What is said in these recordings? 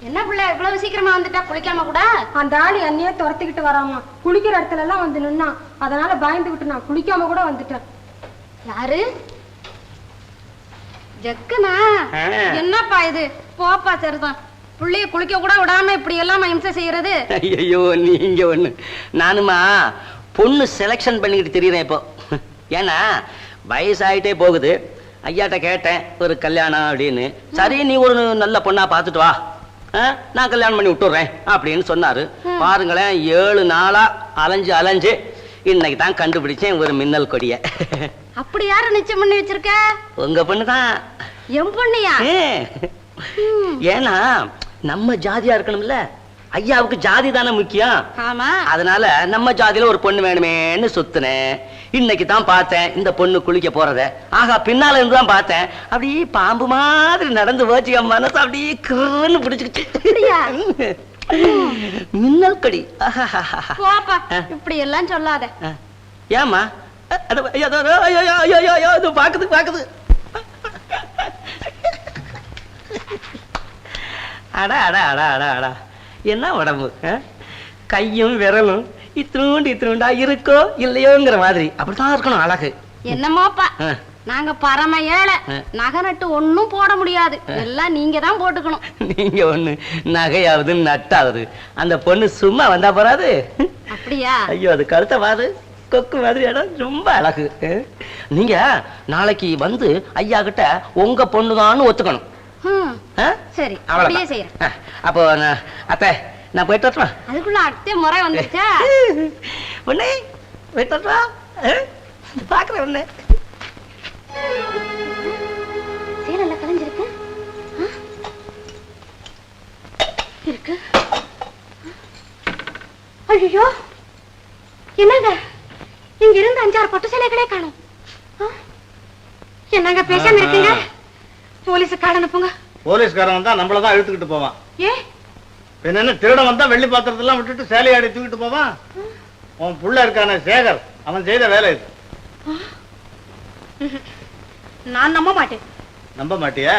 என்ன பிள்ளை இவ்வளவு சீக்கிரமா வந்துட்டா? குளிக்காம கூட? அந்த ஆளு என்னையே துரத்திக்கிட்டு வராமா. குளிக்கிற இடத்துல எல்லாம் வந்து நின்னா, அதனால பயந்துகிட்டு நான் குளிக்காம கூட வந்துட்டேன். யாரு? ஜக்குனா? என்னப்பா இது? போப்பா சரிதான். புள்ளைய குளிக்க கூட விடாம இப்படி எல்லாம் இம்சை செய்யறது. ஐயோ நீங்க ஒண்ணு. நானுமா பொண்ணு செலக்ஷன் பண்ணிக்கிட்டு தெரியுறேன் இப்போ. ஏன்னா வயசாயிட்டே போகுது. ஐயாட்ட கேட்டேன் ஒரு கல்யாணம் அப்படின்னு. சரி நீ ஒரு நல்ல பொண்ணா பார்த்துட்டு வா, நான் கல்யாணம் பண்ணி விட்டுறேன் அப்படின்னு சொன்னாரு. பாருங்களேன் 7 நாளா அலைஞ்சு இன்னைக்கு தான் கண்டுபிடிச்சேன் ஒரு மின்னல் கொடிய. அப்படி யாரு நிச்சயம் பண்ணி வச்சிருக்க? உங்க பொண்ணுதான். என் பொண்ணியா? ஏன்னா நம்ம ஜாதியா இருக்கணும்ல. ஐயாவுக்கு ஜாதி தானே முக்கியம். ஆமா. அதனால நம்ம ஜாதியில ஒரு பொண்ணு வேணுமேன்னு சுத்தினேன். இன்னைக்கு தான் பார்த்தேன் இந்த பொண்ணு குளிக்க போறத. ஆகா பின்னால இருந்து தான் பார்த்தேன். அப்படியே பாம்பு மாதிரி நடந்து போச்சு. என் மனசு அப்படியே கிருன்னு பிடிச்சுக்கிச்சு. மின்னல் கடி. போப்பா இப்படி எல்லாம் சொல்லாத. ஏமா? பாக்குது. அடா அடா அடா அடா அடா என்ன உடம்பு! கையும் விரலும் இத்தினூண்டா இருக்கோ இல்லையோங்கிற மாதிரி அப்படித்தான் இருக்கணும் அழகு. என்னமோப்பா, நாங்க பரம ஏழை. நகை நட்டு ஒன்னும் போட முடியாது. எல்லாம் நீங்க தான் போட்டுக்கணும். நீங்க ஒண்ணு நகையாவது நட்டாவது. அந்த பொண்ணு சும்மா வந்தா போறாது. அப்படியா? ஐயோ அது கழுத்த பாரு, கொக்கு மாதிரி இடம் ரொம்ப அழகு. நீங்க நாளைக்கு வந்து ஐயா கிட்ட உங்க பொண்ணுதான்னு ஒத்துக்கணும். சரி அப்படியே செய்யறேன். அப்போ அத்தை நான் போயிட்டு வரட்டுமா? அதுக்குள்ள அத்தை முறை வந்துருச்சா? உன்னை போயிட்டு வரட்டுமா? பாக்குறேன் உன்னை. சேலல்ல கலைஞ்சிருக்கு இருக்கு. ஐயோ என்னங்க, இங்க இருந்து 5-6 பட்டு சேலைகளே காணும். என்னங்க பேசாம இருக்கீங்க? போலீஸுக்கார அனுப்புங்க. போலீஸ்காரன் வந்தா நம்மளதான் இழுத்துக்கிட்டு போவான். ஏ என்ன திருடன் வந்தா வெள்ளி பாத்திரத்தெல்லாம் விட்டுட்டு சேலையாடி தூக்கிட்டு போவான். உன் புள்ள இருக்கான சேகர், அவன் செய்த வேலை இது. நான் நம்ப மாட்டேன். நம்ப மாட்டியா?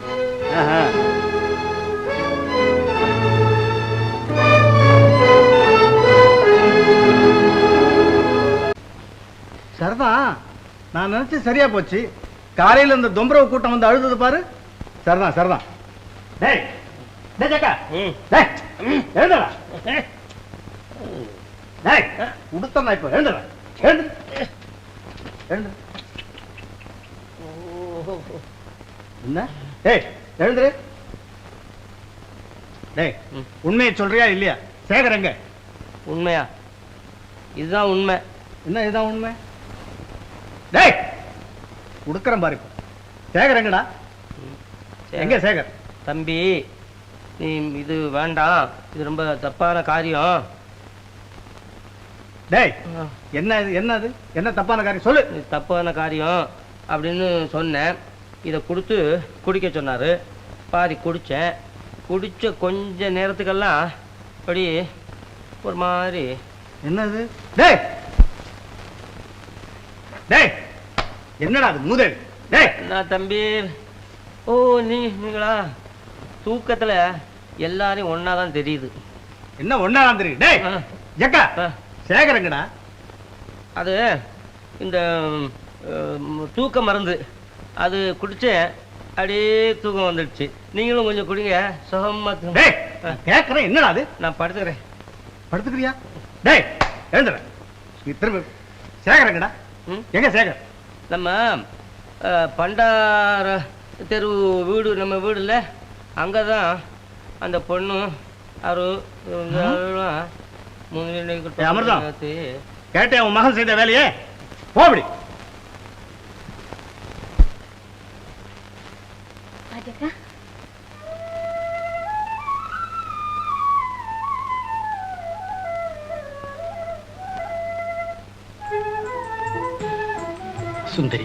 சரிதான், நான் நினைச்சு சரியா போச்சு. காலையில இந்த தொம்பரவு கூட்டம் வந்து அழுது பாரு. சரிதான். டேய் டேய் ஜக்கா, டேய் எழுந்துடா. டேய் உடுத்தறா இப்ப. எழுந்துடா. எழுந்து. என்ன? டேய் எழுந்துரு. டேய் உண்மையை சொல்றியா இல்லையா? சேகர் எங்க? உண்மையா? இதுதான் உண்மை. என்ன இதுதான் உண்மை? டேய் உடுக்கறேன் பாரு. சேகர் எங்கடா? எங்க சேகர்? தம்பி நீ இது வேண்டாம், இது ரொம்ப தப்பான காரியம். டேய் என்னது? என்ன தப்பான காரியம் சொல்லு. தப்பான காரியம் அப்படின்னு சொன்னேன். இதை கொடுத்து குடிக்க சொன்னாரு. பாதி குடிச்சேன். குடிச்ச கொஞ்ச நேரத்துக்கெல்லாம் அப்படி ஒரு மாதிரி. என்னது? டேய் டேய் என்னடா அது மூதேவி? டேய் நான் தம்பி. ஓ நீங்களா? தூக்கத்துல எல்லாரையும் ஒன்னாதான் தெரியுது. என்ன ஒன்னாதான் தெரியுது? டேய் ஜக்கா, சேகர் எங்கடா? அது இந்த தூக்க மருந்து அது குடிச்சேன். அப்படியே தூக்கம் வந்துடுச்சு. நீங்களும் கொஞ்சம் குடிங்க, சுகமா. டேய் கேக்குறேன், என்னடா அது? நான் படுத்துக்கிறேன். படுத்துக்கிறியா? டேய் எழுந்துற. திரும்ப சேகர் எங்கடா? எங்க சேகர்? நம்ம பண்டார தெரு வீடு, நம்ம வீடு இல்லை, அங்கதான் அந்த பொண்ணு அமிர்தம் கேட்டேன். உன் மகன் செய்த வேலையே போபடி. சுந்தரி,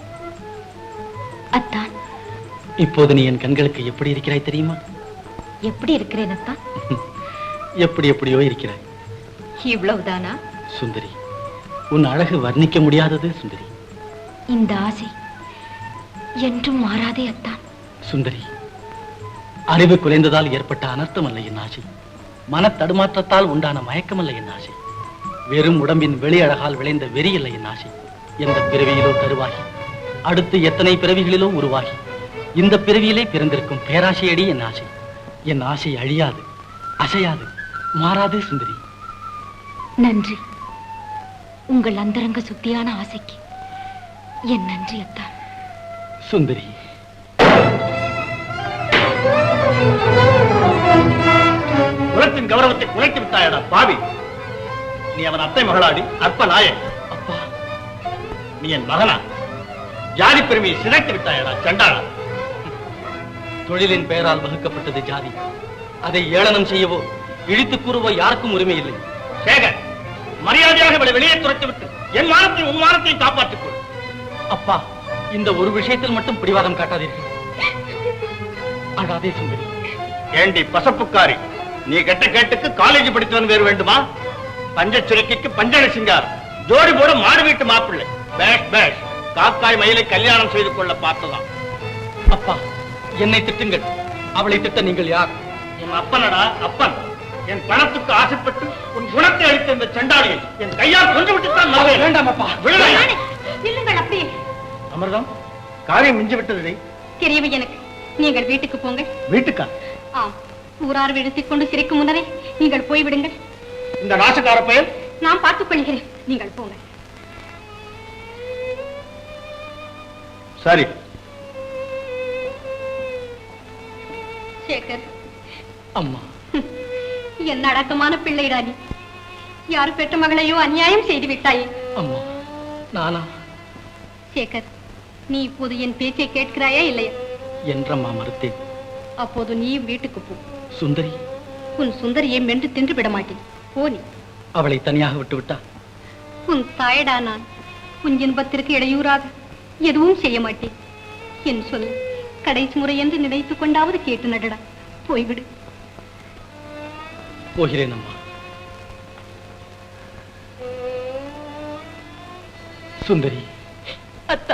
அத்தான் இப்போது நீ என் கண்களுக்கு எப்படி இருக்கிறாய் தெரியுமா? எப்படி இருக்கிறேன் அத்தான்? எப்படியோ இருக்கிறாய். இவ்வளவுதானா? சுந்தரி, உன் அழகு வர்ணிக்க முடியாதது சுந்தரி. இந்த ஆசை என்றும் மாறாதே அத்தான். சுந்தரி, அறிவு குறைந்ததால் ஏற்பட்ட அனர்த்தம் அல்ல என் ஆசை. மன தடுமாற்றத்தால் உண்டான மயக்கம் அல்ல என் ஆசை. வெறும் உடம்பின் வெளி அழகால் விளைந்த வெறி அல்ல என் ஆசை. எந்த பிறவியிலோ கருவாகி அடுத்து எத்தனை பிறவிகளிலோ உருவாகி இந்த பிறவியிலே பிறந்திருக்கும் பேராசையடி என் ஆசை. என் ஆசை அழியாது, அசையாது, மாறாது சுந்தரி. நன்றி. உங்கள் அந்தரங்க சுத்தியான ஆசைக்கு என் நன்றி அத்தா. சுந்தரி, குலத்தின் கௌரவத்தை குலைத்து விட்டாயடா பாவி. நீ அவன் அத்தை மகளாடி அற்ப நாயன். அப்பா, நீ என் மகனா? ஜாதி பெருமையை சிதைத்து விட்டாயடா சண்டாளா. தொழிலின் பெயரால் வகுக்கப்பட்டது ஜாதி. அதை ஏளனம் செய்யவோ இழித்து கூறவோ யாருக்கும் உரிமை இல்லை. சேகர், மரியாதையாக இவளை வெளியே துரத்து விட்டு என் மானத்தையும் உன் மானத்தையும் காப்பாற்றிக் கொள். அப்பா, இந்த ஒரு விஷயத்தில் மட்டும் பிடிவாதம் காட்டாதீர்கள். அழாதே சுந்தரி. ஏண்டி பசப்புக்காரி, நீ கெட்ட கேட்டுக்கு காலேஜ் படித்தவன் வேறு வேண்டுமா? பஞ்ச சுரக்கிக்கு பஞ்சன சிங்காரம், ஜோடி போட மாடு வீட்டு மாப்பிள்ளை. பேஷ் பேஷ், காக்காய் மயிலை கல்யாணம் செய்து கொள்ள பார்த்ததான். அப்பா, என்னை திட்டுங்கள். அவளை திட்ட நீங்கள் யார்? என் அப்பனடா அப்பன். என் பணத்துக்கு ஆசைப்பட்டு உன் குணத்தை அளித்த இந்த சண்டாளியை என் கையால் கொண்டு விட்டுத்தான் நம்புவேன். வேண்டாம் அப்பா. இல்லுங்கள் அப்படியே. அமிர்தம், காரியம் மிஞ்சி விட்டது. தெரியவே எனக்கு. நீங்கள் வீட்டுக்கு போங்க. வீட்டுக்கா? ஆம், ஊரார் விடுத்திக் கொண்டு சிரிக்கும் முன்னரே நீங்கள் போய்விடுங்கள். இந்த நாசக்கார பெயர் நான் பார்த்துக் கொள்கிறேன். நீங்கள் போங்க. சரி. சேகர், அம்மா, என்ன அடக்கமான பிள்ளைடா நீ. யாரு பெற்ற மகளையோ அநியாயம் செய்து விட்டாயே. அம்மா, நானா? சேகர், நீ இப்போது என் பேச்சை கேட்கிறாயா இல்லையா? என்றம்மா மறுத்தேன். அப்போது நீ வீட்டுக்கு போ. சுந்தரி? உன் சுந்தரியை மென்று தின்று விட மாட்டேன். போ நீ. அவளை தனியாக விட்டு விட்டா? உன் தாயடா நான். உன் இன்பத்திற்கு இடையூறாக எதுவும் செய்ய மாட்டேன். என் சொல் கடைசி முறை என்று நினைத்துக் கொண்டாவது கேட்டு நடடா. போய்விடு. போகிறேன் அம்மா. சுந்தரி. அத்தா,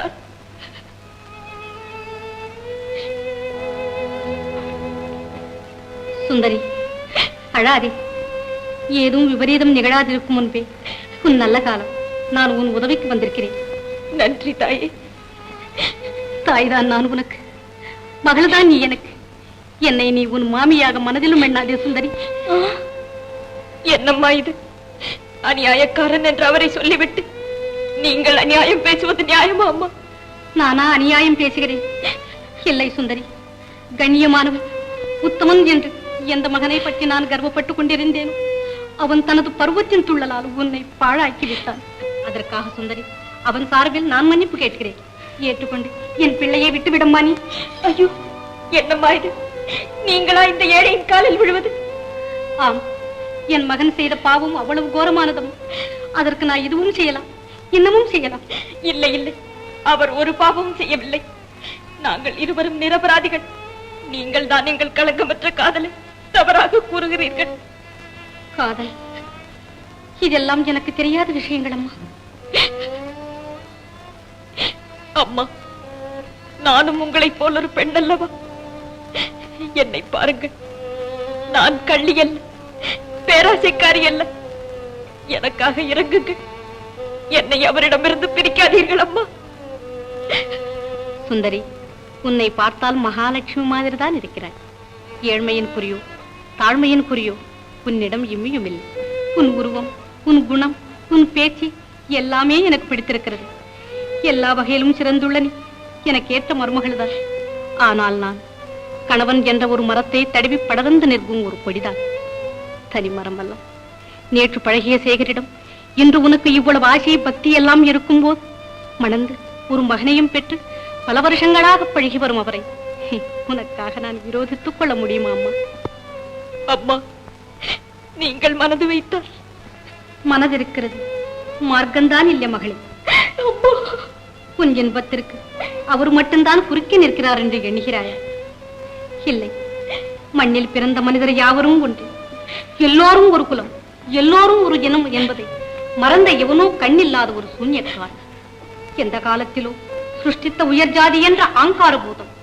சுந்தரி, அழாதே. ஏதும் விபரீதம் நிகழாதிருக்கும் முன்பே உன் நல்ல காலம். நான் உன் உதவிக்கு வந்திருக்கிறேன். நன்றி தாயே. தாய்தான் நான் உனக்கு, மகள்தான் நீ எனக்கு. என்னை நீ உன் மாமியாக மனதிலும் எண்ணாதே சுந்தரி. என்னம்மா இது? அநியாயக்காரன் என்று அவரை சொல்லிவிட்டு நீங்கள் அநியாயம் பேசுவது நியாயமா அம்மா? நானா அநியாயம் பேசுகிறேன்? இல்லை சுந்தரி, கண்ணியமானவன் உத்தமன் என்று எந்த மகனை பற்றி நான் கர்வப்பட்டுக் கொண்டிருந்தேனோ அவன் தனது பருவத்தின் துள்ளலால் உன்னை பாழாக்கி விட்டான். அதற்காக சுந்தரி, அவன் சார்பில் நான் மன்னிப்பு கேட்கிறேன். ஏற்றுக்கொண்டு என் பிள்ளையை விட்டுவிடம்மா நீ. ஐயோ, என்னம்மா இது? நீங்களா இந்த ஏழையின் காலில் விழுவது? ஆம், என் மகன் செய்த பாவம் அவ்வளவு கோரமானதும். அதற்கு நான் இதுவும் செய்யலாம், இன்னமும் செய்யலாம். இல்லை இல்லை, அவர் ஒரு பாவமும் செய்யவில்லை. நாங்கள் இருவரும் நிரபராதிகள். நீங்கள் தான் எங்கள் களங்கமற்ற காதலை தவறாக கூறுகிறீர்கள். காதல், இதெல்லாம் எனக்கு தெரியாத விஷயங்கள் அம்மா. அம்மா, நானும் உங்களைப் போல் ஒரு பெண் அல்லவா? என்னை பாருங்கள், நான் கள்ளி அல்ல, பேராசைக்காரி அல்ல. எனக்காக இறங்குங்கள். என்னை அவரிடமிருந்து பிரிக்காதீர்கள் அம்மா. சுந்தரி, உன்னை பார்த்தால் மகாலட்சுமி மாதிரி தான் இருக்கிறாய். ஏழ்மையின் குறியோ தாழ்மையின் குறியோ உன்னிடம் இம்மியும் இல்லை. உன் உருவம், உன் குணம், உன் பேச்சு எல்லாமே எனக்கு பிடித்திருக்கிறது. எல்லா வகையிலும் சிறந்துள்ள நீ எனக்கு ஏற்ற மருமகள் தான். ஆனால் நான் கணவன் என்ற ஒரு மரத்தை தடவி படர்ந்து நிற்கும் ஒரு கொடிதான். தனி மரம் அல்ல. நேற்று பழகிய சேகரிடம் இன்று உனக்கு இவ்வளவு ஆசை பக்தி எல்லாம் இருக்கும் போது மணந்து ஒரு மகனையும் பெற்று பல வருஷங்களாக பழகி வரும் அவரை உனக்காக நான் விரோதித்துக் கொள்ள முடியுமா அம்மா? அம்மா, நீங்கள் மனது வைத்தால். மனதிருக்கிறது, மார்க்கம்தான் இல்லை மகளே. உன் இன்பத்திற்கு அவர் மட்டும்தான் குறுக்கே நிற்கிறார் என்று எண்ணுகிறாயா? இல்லை, மண்ணில் பிறந்த மனிதர் யாவரும் ஒன்று, எல்லோரும் ஒரு குலம், எல்லோரும் ஒரு இனம் என்பதை மறந்த எவனோ கண்ணில்லாத ஒரு சூன்யக்காரன். எந்த காலத்திலோ சிருஷ்டித்த உயர் ஜாதி என்ற ஆங்கார பூதம்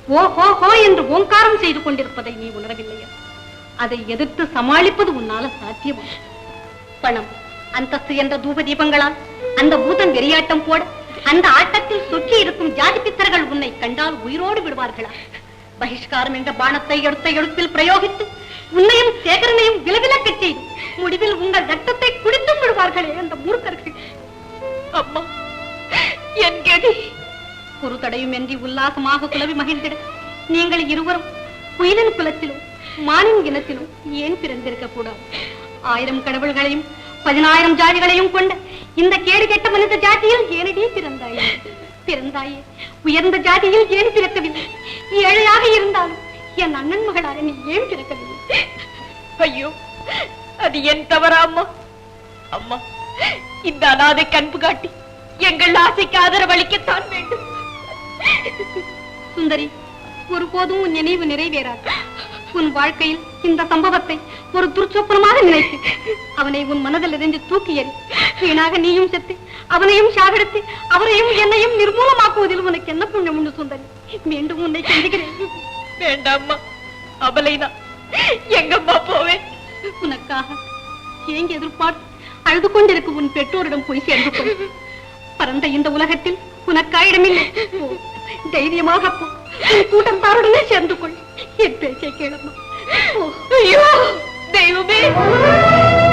ஓ ஹோ ஹோ என்று ஓங்காரம் செய்து கொண்டிருப்பதை நீ உணரவில்லையா? அதை எதிர்த்து சமாளிப்பது உன்னால சாத்தியமா? பணம், அந்தஸ்து என்ற தூப தீபங்களால் அந்த பூதம் வெறியாட்டம் போட, அந்த ஆட்டத்தில் சொக்கி இருக்கும் ஜாதி பித்தர்கள் உன்னை கண்டால் உயிரோடு விடுவார்களா? பகிஷ்காரம் என்ற பானத்தை எடுத்த எழுத்தில் பிரயோகித்து உன்னையும் சேகரனையும் விலவிலக்கச் செய்து முடிவில் உங்கள் ரத்தத்தை குடித்தும் விடுவார்களே அந்த மூர்க்கர்கள். அம்மா, என் கதி ஒரு தடையுமின்றி உல்லாசமாக குலவி மகிழ்ந்திட நீங்கள் இருவரும் குயிலின் குலத்திலும் மானின் இனத்திலும் ஏன் பிறந்திருக்க கூடாது? 1000 கடவுள்களையும் 10000 ஜாதிகளையும் கொண்ட இந்த கேடு கெட்ட மனித ஜாதியில் ஏனடி பிறந்தாயே? பிறந்தாயே உயர்ந்த ஜாதியில் ஏன் பிறக்கவில்லை? ஏழையாக இருந்தாலும் என் அண்ணன் மகளாக நீ ஏன் பிறக்கவில்லை? ஐயோ, அது என் தவறா அம்மா? அம்மா, இந்த அனாதை கண்பு காட்டி எங்கள் ஆசைக்கு ஆதரவளிக்கத்தான் வேண்டும். சுந்தரி, ஒருபோதும் உன் நினைவு நிறைவேறாது. உன் வாழ்க்கையில் இந்த சம்பவத்தை ஒரு துர்ச்சொப்பனமாக நினைத்து அவனை உன் மனதில் இருந்து தூக்கி எறி. வீணாக நீயும் செத்து அவனையும் சாகடித்து அவரையும் என்னையும் நிர்மூலமாக்குவதில் உனக்கு என்ன புண்ணியம் உண்டு சுந்தரி? மீண்டும் உன்னை சந்திக்கிறேன். வேண்டாம்மா, அபலைதான். எங்கம்மா போவேன்? உனக்காக ஏங்கி எதிர்பார்த்து அழுது கொண்டிருக்கும் உன் பெற்றோரிடம் போய் சேர்ந்து கொள். பரந்த இந்த உலகத்தில் உனக்காயிடமில்லை. போ, தைரியமாக போ. உன் கூட்டத்தாருடனே சேர்ந்து கொள். என் பேச்சை கேளம்மா. ஐயோ தெய்வமே!